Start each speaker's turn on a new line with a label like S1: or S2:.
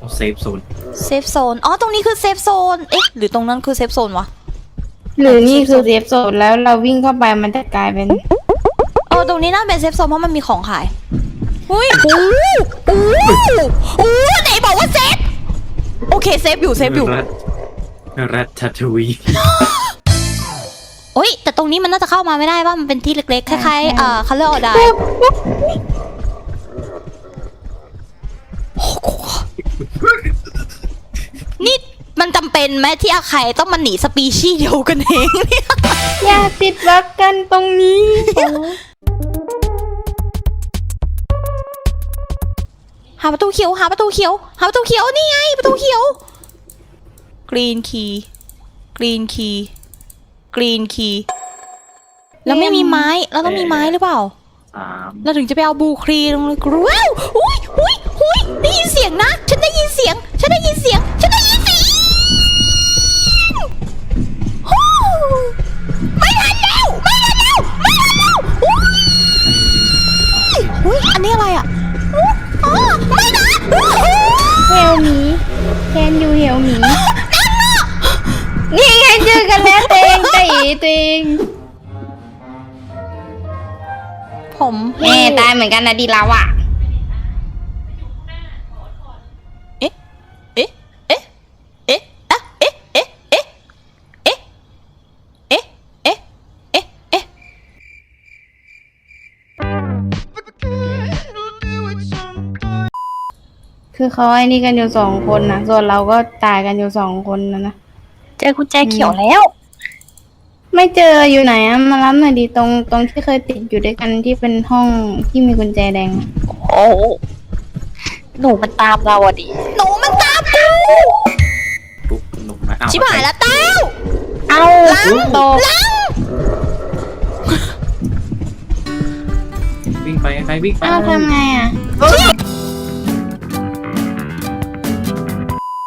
S1: เซฟโซน
S2: เซฟโซนอ๋อตรงนี้คือเซฟโซนเอ๊ะหรือตรงนั้นคือเซฟโซนวะ
S3: หรือนี่คือเซฟโซนแล้วเราวิ่งเข้าไปมันจะกลายเป็น
S2: ตรงนี้น่าเป็นเซฟโซนเพราะมันมีของขายอุ้ยโอ้ไหนบอกว่าเซฟโอเคเซฟอยู่
S1: รัตทัตวี
S2: โอ้ยแต่ตรงนี้มันน่าจะเข้ามาไม่ได้ว่ามันเป็นที่เล็กๆคล้ายๆคัลเลอร์ออดายนี่มันจำเป็นไหมที่อาไข่ต้องมาหนีสปีชีส์เดียวกันเองเนี่ย
S3: อย่าติดรักกันตรงนี้
S2: หาประตูเขียวนี่ไงประตูเขียวกรีนคีย์แล้วไม่มีไม้เราต้องมีไม้หรือเปล่าเราถึงจะไปเอาบูครีลงเลยกรูว้าวอุ้ยได้ยินเสียงนะฉันได้ยินเสียงไม่ทันแล้วอุ้ยอันนี้อะไรอ่ะไม่นะ
S3: เฮลมีแคนยูเฮลมีนี่ไงเจอกันแล้วตัวเอง
S2: ผม
S3: ตายเหมือนกันนะดีแล้วอ่ะคือเขาไอ้นี่กันอยู่2 คนนะส่วนเราก็ตายกันอยู่2 คนนะ
S2: เจอกุญแจเขียวแล้ว
S3: ไม่เจออยู่ไหนอะมารับหน่อยดิตรงที่เคยติดอยู่ด้วยกันที่เป็นห้องที่มีกุญแจแดง
S2: โอ้หนูมันตามเราอะดิหนูมันตามกู
S1: ปุ๊บลงมา
S2: ชิบหายแล้วเต้า
S3: เอาตก
S1: วิ่งไปใครวิ่งไป
S3: ทำไงอะ